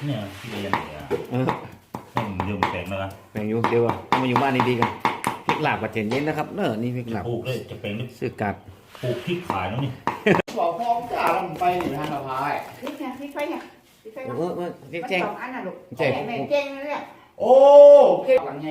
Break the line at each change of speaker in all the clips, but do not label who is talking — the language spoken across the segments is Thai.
เนี่ยที่เรียนเนี่ยต้องยืมแปลงแล้วกัน
แบ่งอยู่เดี๋ยวมาอยู่บ้านดีๆกันพริกลาบกับเจนเย็นนะครับเนอะนี่พริกลาบ
ปลูกเลยจะเป็น
ซื้อกัด
ปลูกพริกขายแล้วนี่
บอกพ่อจ่าลงไปหรือทางสะพาย
พริกเนี่ยพริกไฟเนี่ยพริกไฟ
พริก
มัน
แจ้ง
สองอันน่ะลูก
แจ้ง
แม่เก่งนะเนี่ย
โอ้เก่งหลังไง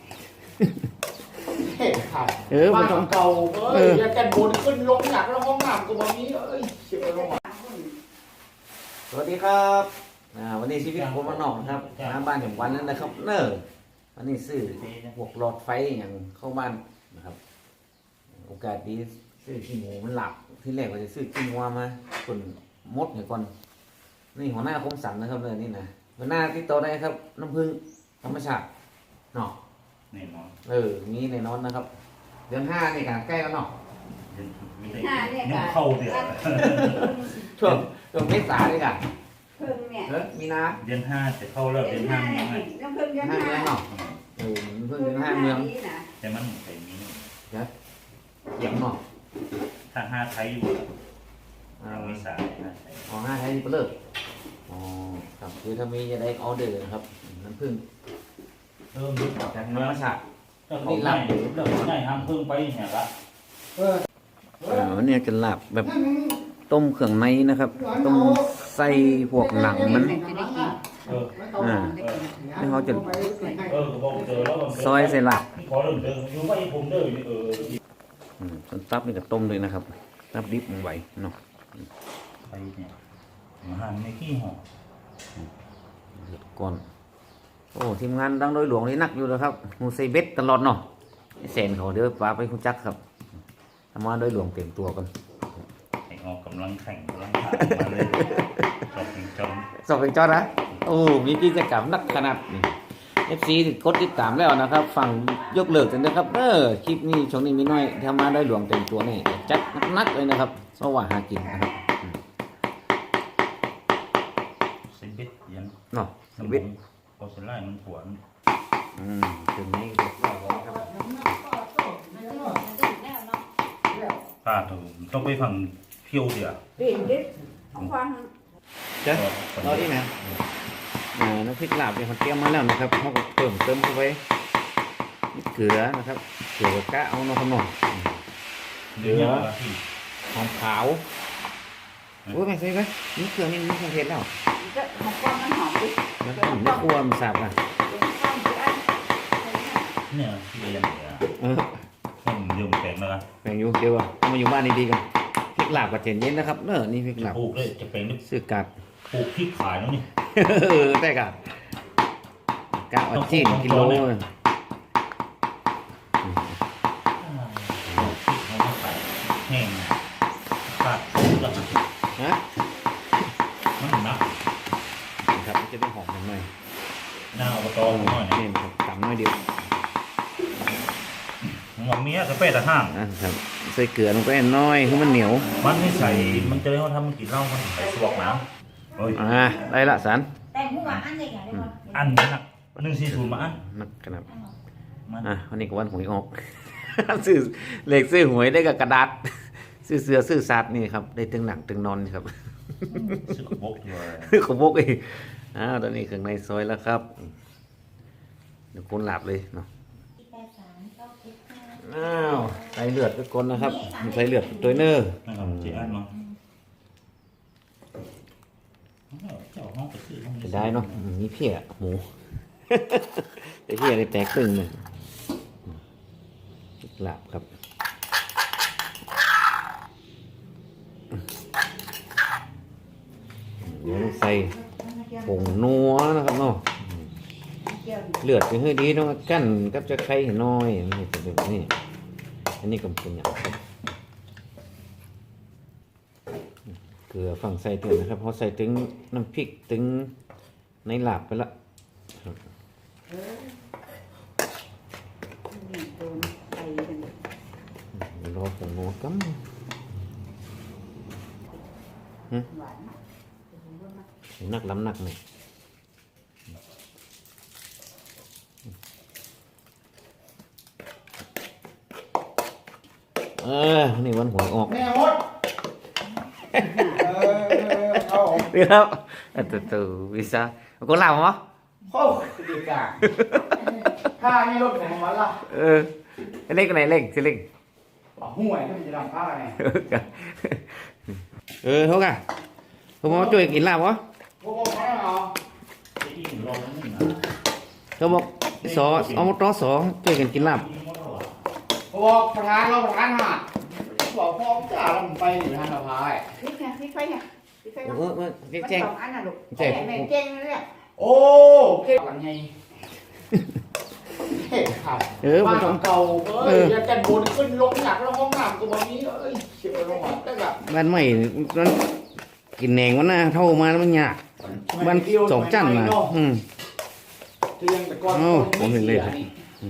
เห็ดขาดบ้านเก่าเอ้ยแล้วกันบนขึ้นลงหนักแล้วห้องน้ำก็แบบนี้เอ้ยเชื่อลงมา
สวัสดีครับวันนี้ชีวิตคนมานอกนะครับหาบ้านอย่างวันนั้นนะครับเนอะวันนี้ซื้อพวกหลอดไฟอย่างเข้าบ้านนะครับโอกาสดีซื้อขี้หมูมันหลับที่แรกว่าจะซื้อขี้งัวมาคนมดเนี่ยก่อนนี่หัวหน้าคมสันนะครับเลยนี่นะหัวหน้าที่โตได้ครับน้ำผึ้งธรรมชาติเนาะ
แน่นอน
มีในนอนนะครับเดือน5นี่กันใกล้แล้วเนาะ
ไม่ได้ยังเข้าเดือด
ช่วงเมษาเลยกัน
เพิ่งเนี่ย
มีนา
เดือน5จะเข้าแล้วเดือน5
เนี่
เนี่ย ย
น้ำเพิ่งเดือน
ห้า
ห้า
เมืองเนาะเพิ่งเดือน5เมือง
นะ
แต่มันเป็นมี
เกี่ยงเนาะ
ถ้า5ไทยอยู่ไม่สายนะ
อ๋อ5ไทยนี่ก็เลิกอ๋อครับคือถ้ามีจะได้ออเดอร์นะครับน้ำผึ้ง
ยึด
จากธรรมชาติ
ก็เขาง่ายเรื่องง่ายห้ามเพิ่งไปเนี่ยละ
วันนี้จะลาบแบบต้มเครื่องในนะครับ ต้มใส่พวกหนังมัน นี่เขาจะ
บอกเจอแล้ว
ซอยใส่ลาบ
ขอเริ่มเดิมอยู่ไว้ผมเด้อ
ส่วนตับนี่ก็ต้มเลยนะครับตับดิบมันไหวเนาะ
ไปเนี่ยห่างในขี้ห่อ
เดือดก่อนโอ้ทีมงานดังโดยหลวงนี่นักอยู่แล้วครับมูใส่เบ็ดตลอดเนาะเซนเขาเดี๋ยวปลาไปคุณจักครับทำมาโดยหลวงเต็มตัวกัน
ให้ออกกำลังแข่งกำลังขามาเลยจบเป็นจม
สอบเป็นจอดนะโอ้มีกิจกรรมนักขนาดนี่ FC กดติดตามแล้วนะครับฟังยกเลิกกันนะครับคลิปนี้ช่วงนี้มีน้อยทำมาโดยหลวงเต็มตัวนี่จัดนักเลยนะครับเพราะว่าหากินนะครับ
เซบิดยัน
เนาะ
สม
เบ็ด
พอเสร็จไล่มันปวด
ถึงนี้เรียบร้อยแล้วครับ
ป้าต้องไปฟังเพียวเดียว
เปลี่ยนดิเอาความ
จ้ะรอที่ไหนน้ำพริกลาบเนี่ยเขาเตรียมมาแล้วนะครับเขาก็เพิ่มเติมเข้าไปเกลือนะครับเกลือกะเอาเนาะครับเนาะ
เดี๋ยวที่
หอมขาวโอ้ยไม่ใช่ไหมนี่เกลือนี่มันเครื่องเทศแล้ว
จะหอมความมันหอมดิ
มันหอมไม่ครัวมันสับอ่ะ
เนี่ยที่เรียนเนี่ย ต้องยืมแปลงแล้วกัน
แบ่งอยู่เดี๋ยวมาอยู่บ้านดีๆกันพริกลาบกับเจนเย็นนะครับเนอะนี่พริกลาบ
ปลูกเลยจะเป็น
ซื้อกัด
ปลูกพริกขายแล้วนี่
ได้กัดกะว่าจีนกิโล
พริกเขามาใส่แห้งขาดแล้ว
ฮะ
มันหนัก
ครับมันจะได้หอมหน่อย
หน้าอบตหน่อย
นี่ครับตำน้อยเดียว
หมอกเมียกาแฟแต่ห้าง
ครับใส่เกลือลงไปน้อยให้มันเหนียว
มันไม่ใส่มันจะได้เขาทำมันกินเหล้ามันใส่สวกน้ำเฮ้ย
ได้ละสัน
แต่หัวอันใหญ่ๆได้ไหม
อันนี้หนัก140มาอัน
นักขนาด
มัน
วันนี้ก็วันหวยออก ซื้อเลขซื้อหวยได้กับกระดาษ ซื้อเสือซื้อสัตว์นี่ครับได้ตึงหนังตึงนอนครับ
สึกบกเลย
ขบกอีกตอนนี้เครื่องในซอยแล้วครับเดี๋ยวคนหลับเลยเนาะใส่เลือดทุกคนนะครับใส่เลือดตัวเนอร์
นะครับเจ๊อันเนาะเจ้าห้องไปซื้อห้อง
จะได้เนาะมีเพี้ยหมู แต่เพี้ยได้แตกตึงเลยหลับครับเดี๋ยวใส่ผงนัวนะครับเนาะเลือดไปให้ดีเนาะกั้นกับจะไข่น้อยนี่จะแบบนี้อันนี้ก็เป็นอย่างเกลือฝั่งใส่ถึงนะครับเพราะใส่ถึงน้ำพริกถึงในหลาบไปละรอผงนัวกั๊มนักล้ำนักเลยนี่วันหวยออก
แม่มดเอาออก
đi đâu từ từ vì sao có làm không
โอ้ดีกาผ้านี่รถไหนของมันล่ะ
ừ cái này lên xin lên
ห่วยที่มันจะทำผ้าไง
ừ thôi cả không có chơi kín làm không
พวกเขาเหรอ
ที่อิ่มรอแล้วนี่นะ
không một xó ông một đó xó chơi kín làm
พวกประธานเราประธานหาดบอกพ่อจ่าเราไปหรือทานสะพาย
พริกไงพริกไฟไงพริกไฟ
ừ,
เนาะ
ừ,
มัน
cái
ส
chèn
องอันน่ะลูก
เจ็บ
แม่เก่งเลยเนี่ย
โอ้เก่งกันไงเฮ้ยค่ะ
ừ
บ้า
một
น
trong
เก่าเอ้ยอย่าแต่บนขึ้นลงอยากแล้วห้องน้ำก็บ่มีเอ้ยเชื่อลงมาตั้งแต่
ban mày nó kín nèng quá na thâu mà nó nhạt ban sổ chăn mà ừ
เตียงแต่ก่อน
โอ้
คน
ผมเห็นเลย
สีนี่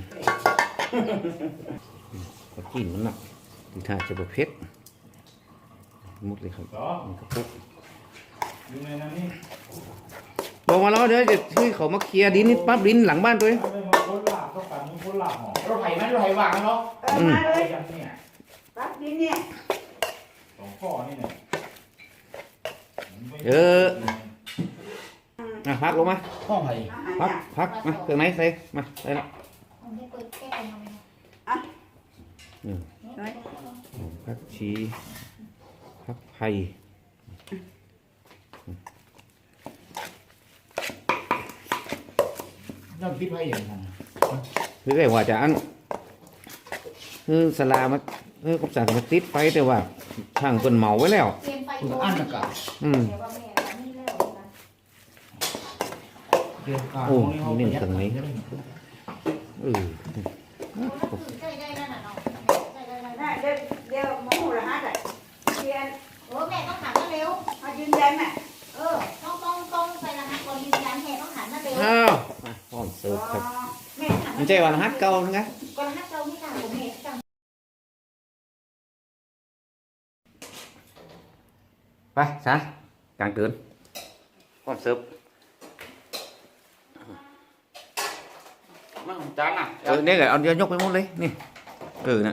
có kín nó nặng thì thà cho bột phết một lấy không
ก็
cái phút
อยู่ในนั้นนี่
บอกมาแล้วเดี๋ยวจะช่วยเขามาเคลียร์ดินนี่ปั๊บดินหลังบ้านตัวเอง
ไม่มาพ้นหลับต้องการมึงพ้นหลับหรอ
รถไถไหมรถไถวางกันเนาะ
มาเลย
ยังเนี่ย
ปั๊บดินเนี่ย
สองข้อนี่เนี่ย
อ่ะพักลงมา
ห้องไถ
อาหาร
พัก
เนี่ย
พักมาเครื่องไหนใส่มาใส่ละ
น้อย
พักชีพักไผ่
ต้องคิดไว้อย่างนั้น
คือไอ้ว่าจะอันคือสลามาคือกับสารมาติดไฟแต่ว่าช่างคนเหมาไว้แล้ว
อันนั้นก็
อืม
เกี่ยวกับ
โอ้นี่เนี่ยตรงนี้เออ
ได้เดี๋ยวโมโหละฮะแต่เรียน
โอ้แม่ต้องหันมาเร็ว
มายืนยันน่ะ
ต้องใส่รหัสก่อนยืนยันแม่ต้องหันมาเร็ว
อ้าวมาพร้อมเสิร์ฟครับ
แม่หัน
ไม่ใช่วันฮัทเก่านะ
ก่อนรหัสเราไม่ต่างกับแม่ต่าง
ไปซะกลางเกินพร้อมเสิร์ฟ
มันจานอ่ะ
นี่ไงเอาเดี๋ยวยกไปหมดเลยนี่น่ะ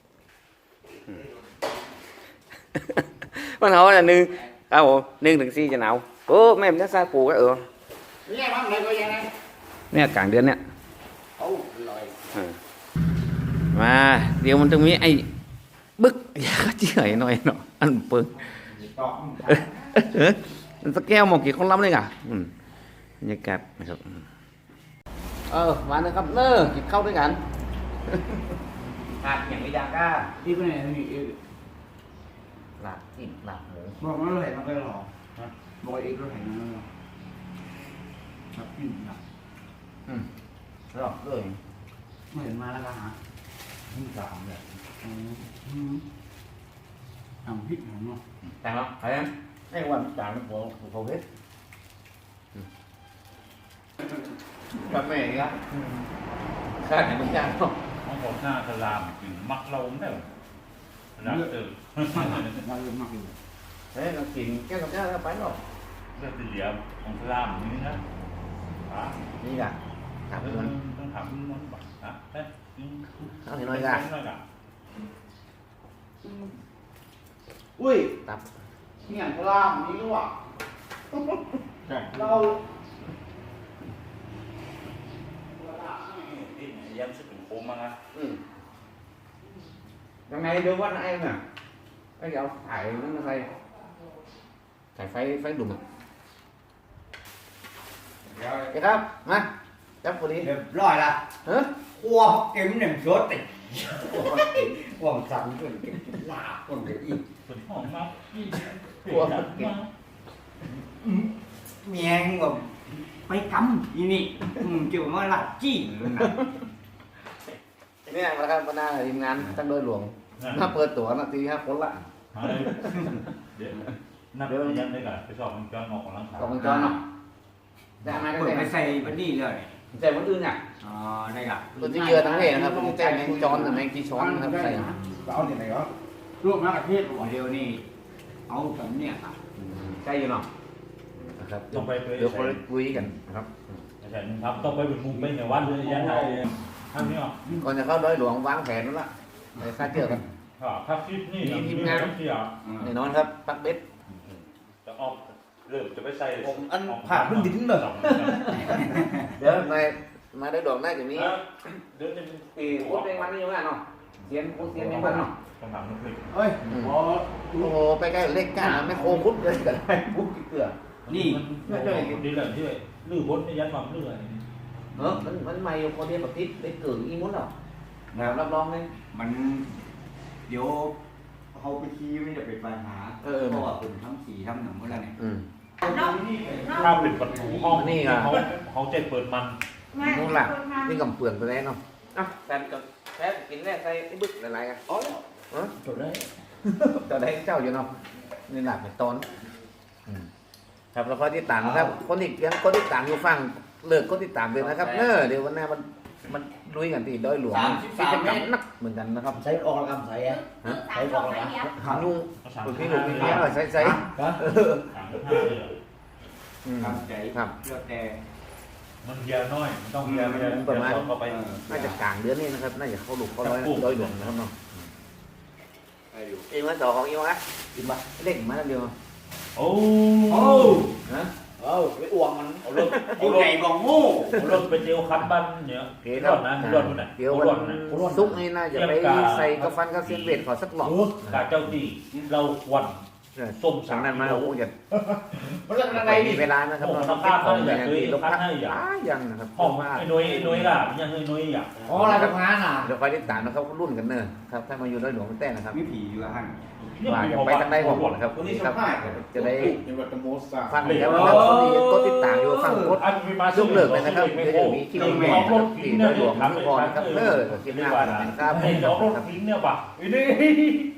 มันhỏi là nương nương thường si cho nào cô mấy em chắc sai phù cái
นี่มันอะไรก็ยังไง
nè cảng đến nè
โอ้ลอย
mà điều mình từng nghĩ ai bức giá chỉ ấy nói nó ăn bưng
ต่อ
มันสแกลมองกี่คนล้ำเลยอ่ะบรรยากาศนะครับมาเลยครับเนอกินข้าวด้วยกันหาดอย่างวิดาก้า
ที่เป็นอะไรนี่
หลาบกินหลาบหมู
บอกมันรถไถมันก็หรอบอกเองรถไถมันหรอครับกินนะ
รอบเลย
ไม่เห็นมาแล้วก็หาที่สามเลยทำพริกของเนาะ
แต่เนาะthấy không cái quan trọng của hết cà phê á khai này mình trang không
ห้องผมหน้าสลามกินมักเราไม่ได้หลับตื่น
มาเยอะมากเลย
thế nó chìm cái cà phê nó phải rồi
เลือดเหลี่ยมของสลามนี่นะ
đi cả cảm ơn
ต้องถามมันบักนะเอ๊ะ
nó thì nói ra
น้อยกัน
อุ้ย
tập
เนี่ยพลามนี่ก็ว่าเรา
ย้ำสึกถึงโคมมั้งนะ
thằng này đưa qua em à cái gì phải nó phải đụng cái đó má chấp vào đi
เรียบร้อยละ
hả
ขัวเก็มหนึ่งสดติหวังสั่งคนลาคนเดียวอีก
ฝนหอมมาก
ขัว
เมียงแบบไปกำอีนี่เกี่ยวมาหลัดจี้เลยนะ
เนี่ยนะครับวันหน้าทีมงานตั้งโดยหลวงถ้าเปิดตั๋วนาทีครับคนละ
เดี๋ยวนับยันได้ก่อนไปสอบมันจอนออกกำลังกาย
กองวงจรเนาะได้ไหม
เปิด
ได้ไห
ไป
ม
ใส่บันนี่เลย
ใจมันอื่นอ่ะ
อ๋อได้ละ
ตัวที่เยอะทั้งเพนะครับตัวที่แจ้งแมงจอนแมงกีช้อนนะครับใส่
เอาที่ไหนก็รวมมากระเทศเดียวนี่เอาแบบเนี้ยครับ
ใช่อยู่เนาะนะครับ
ต้องไป
เดี๋ยวคนคุยกันนะครับ
ใช่ครับต้องไปเป็นมุมเป็นในวันเลยยันไทยทำนี่หรอ
ก่อนจะเข้าโดยหลวงวางแผนนั่นละไปคาดเจอกัน
ถ้าคลิปนี่ทีมงานเสีย
แน่นอนครับปักเบ็ด
จะออกเริ่มจะไม่ใส่
ผมอันผ่าขึ้นดิ้นเลย
เดี๋ยวมาได้ดอกได้จะมี
เดี๋ยวจะ
ปีโคตรเป็นมันนี่ยังไงเนาะเสียนโคตรเสียนยังไงเนาะ
คำถามนึงคือ
เฮ้ยพอ
โอ้โหไปใกล้เล็กก้านไม่โคคุดเลยแต่ได้ปุ๊บเกลือ
นี่ดีเลยที่ลื้อบดในยันความลื้อ
มันไม่พอดีแบบติดได้เกิดอีมุ้นหรอนะรับรองเลย
มันเดี๋ยวเขาไปขี่ไม่จะเป็นปัญหาเพราะว่าผมทำสีทำหนังเมื่อไรเนี่ย
ถ้าเป็นประตูห้องนี่เขาจะเปิดมัน
นู่นล่ะนี่กับเปลือกตัวแรกเนาะอ่ะแฟนกับแฟนกินแรกใส่ไอ้บึกอะไรกันอ๋อจบได้ตัวได้เจ้าอยู่เนาะนี่หลับเป็นต้นครับแล้วก็ที่ต่างนะครับคนที่ยังคนที่ต่างอยู่ฟังเลิกคนที่ต่างเลยนะครับเนอะเดี๋ยววันหน้ามันลุยกันที่ดอยหลวงที่จะกำนักเหมือนกันนะครับ
ใช้ออกกำลังใส่อะ
ใส่ดอกไม้เดียว
ขานุ่งพี่หนุ่มพี่เนี้ยใส่ใส่
ทำใจ
ครับ
เลือกแต่
มันเยอะน้อยมันต้องเยอะเข้าไป
น่าจะกลางเดือนนี้นะครับน่าจะเข้าลูกเข้าร้อยดอยหลวงนะครับเนาะ
ได้อยู่
เองมาต่อของเองวะกินปะเล่นมาแล้วเดียว
โอ้
ฮะ
ไปอ้วงมัน
เอารถ
ยิ่งใหญ่บอกงู
เอารถไปเจียวคันบ้านเนี่ยรถนะรถมันน่ะ
เดี๋ยววันซุกนี่น่าจะไปใส่กระฟันกระเซียนเวทขอสักหลอก
กาเจ้าดีเราควันส้ม
สั่งนั้นมาโอ้ย
มันเรื่องอะไร
มี
นี่
เวลานะครับเราต้องเก็บของอย่างดีลบพักยังนะครับ
ห้องไอ้น้อยล่ะยังน้อยอยาก
อ๋ออะไรทำงานอ่ะ
เดี๋ยวคอยติดตามนะครับรุ่นกันเนอะครับถ้ามาอยู่ดอยหลวงมันแต่นะครับ
มีผีอยู่ละหัน
ว่าจะไปทางใดของผมนะครับจะได้
ยังวัตโมสา
ฟังแล้วนะครับคนที่กดติดตามอยู่ฟังกดยกเลิกเลยนะครับเดี๋ยวจะมีคลิปใหม่นะครับที่ดอยหลวงทุกคนนะครับเนอะคลิปหน้านะครับ
ไอ้ดอกรถทิ้งเนี่ยป่ะนี่